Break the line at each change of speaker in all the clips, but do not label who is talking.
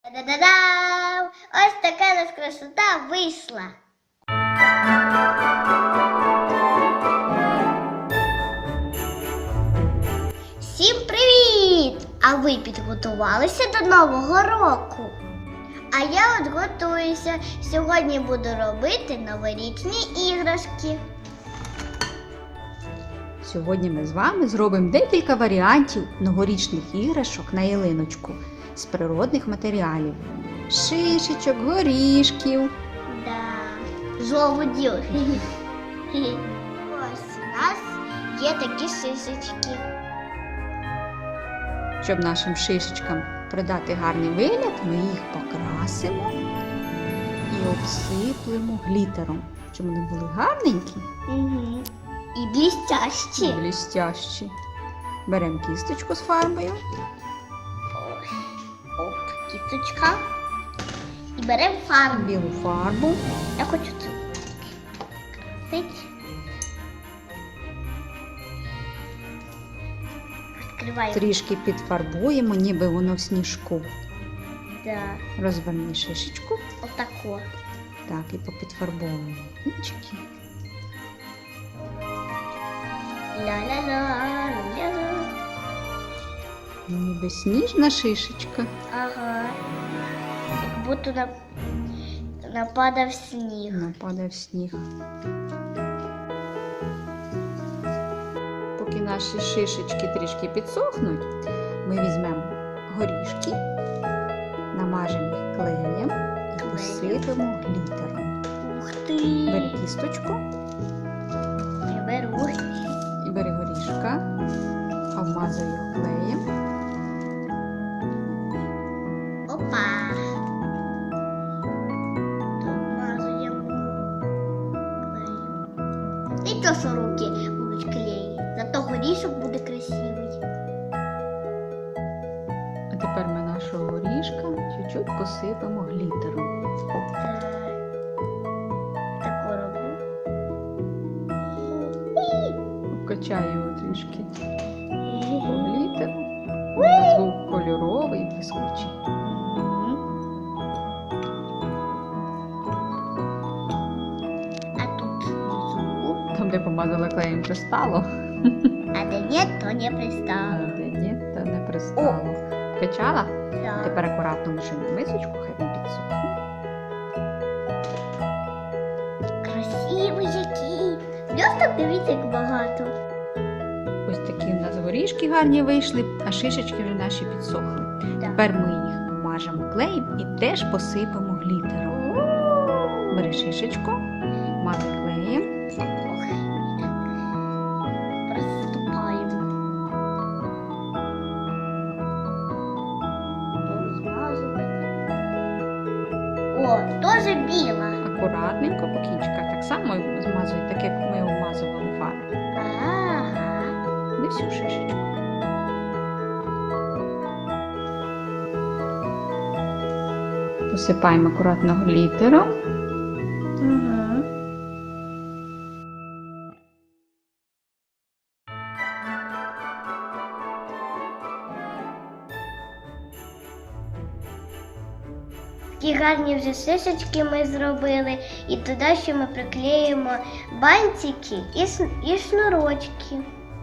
Та-да-да-дам! Ось така у нас красота вийшла. Всім привіт! А ви підготувалися до Нового року? А я от готуюся. Сьогодні буду робити новорічні іграшки.
Сьогодні ми з вами зробимо декілька варіантів новорічних іграшок на ялиночку з природних матеріалів. Шишечок, горішків.
Да, жолудів. Ось у нас є такі шишечки.
Щоб нашим шишечкам придати гарний вигляд, ми їх покрасимо і обсиплемо глітером, щоб вони були гарненькі
Угу. І блістящі.
і блістящі. Беремо кісточку з фарбою.
Оп, кісточка. І беремо фарбу.
Білу фарбу.
Я хочу цю красити. Відкриваємо.
Трішки підфарбуємо, ніби воно в сніжку.
Да.
Розверни шишечку.
Отако.
Так, і попідфарбовуємо кінчики.
Ля-ля-ля-ля-ля.
Ніби сніжна шишечка.
Ага. Як будто нападав сніг.
Нападає в сніг. Поки наші шишечки трішки підсохнуть, ми візьмемо горішки, намажемо їх клеєм і посипемо глітером.
Ух ти!
Бери кісточку
Я беру.
і бери горішка, обмазуй його клеєм.
Опа! Домазуємо клеєм. І то, що руки будуть клеї. Зато горішок буде красивий.
А тепер ми нашого горішка чуть-чуть посипемо глітером.
Так. Тако роблю.
Обкачаю його трішки по глітеру. Звук кольоровий, блискучий.
А тут внизу.
Там, де помазала клеєм, пристало,
А де ні, то не
а
пристало.
де ні, то не пристало. Вкачала?
Так.
Тепер акуратно лишимо мисочку, хай він підсохне.
Красивий який. Блісток, дивіться, як багато.
Ось такі в нас горішки гарні вийшли, а шишечки вже наші підсохли.
Так.
Тепер ми їх мажемо клеєм і теж посипемо глітером. Бери шишечку, мазай клеєм.
Приступаємо. О, теж біла.
Акуратненько по кінчиках так само змазуй, так як ми обмазували фарбу.
Ага.
Не всю шишечку. Посипаємо акуратно глітером.
Угу. Такі гарні вже шишечки ми зробили, і туди ще ми приклеїмо бантики і шнурочки.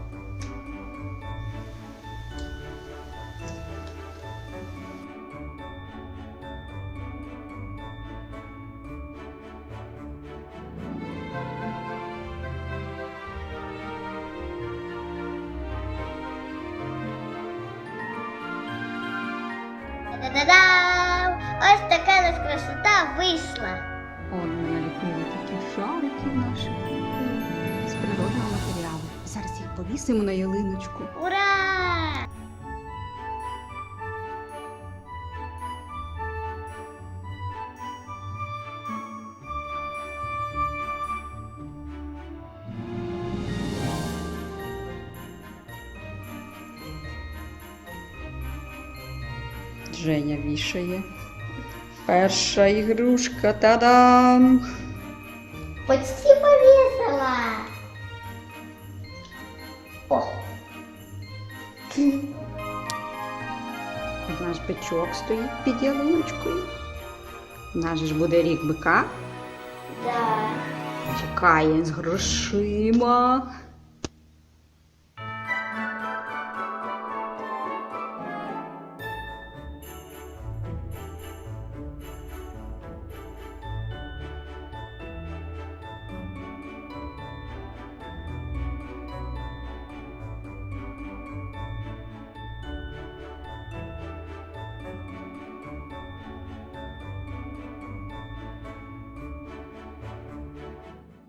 Та-да-дам! Ось така у нас красота вийшла.
От ми наліпили такі шарики наші з природного матеріалу. Зараз їх повісимо на ялиночку.
Ура!
Женя вішає. Перша ігрушка. Та-дам!
Почти повесила. О!
Наш бичок стоїть під ялиночкою. Наш ж буде рік бика.
Да.
Чекає з грошима.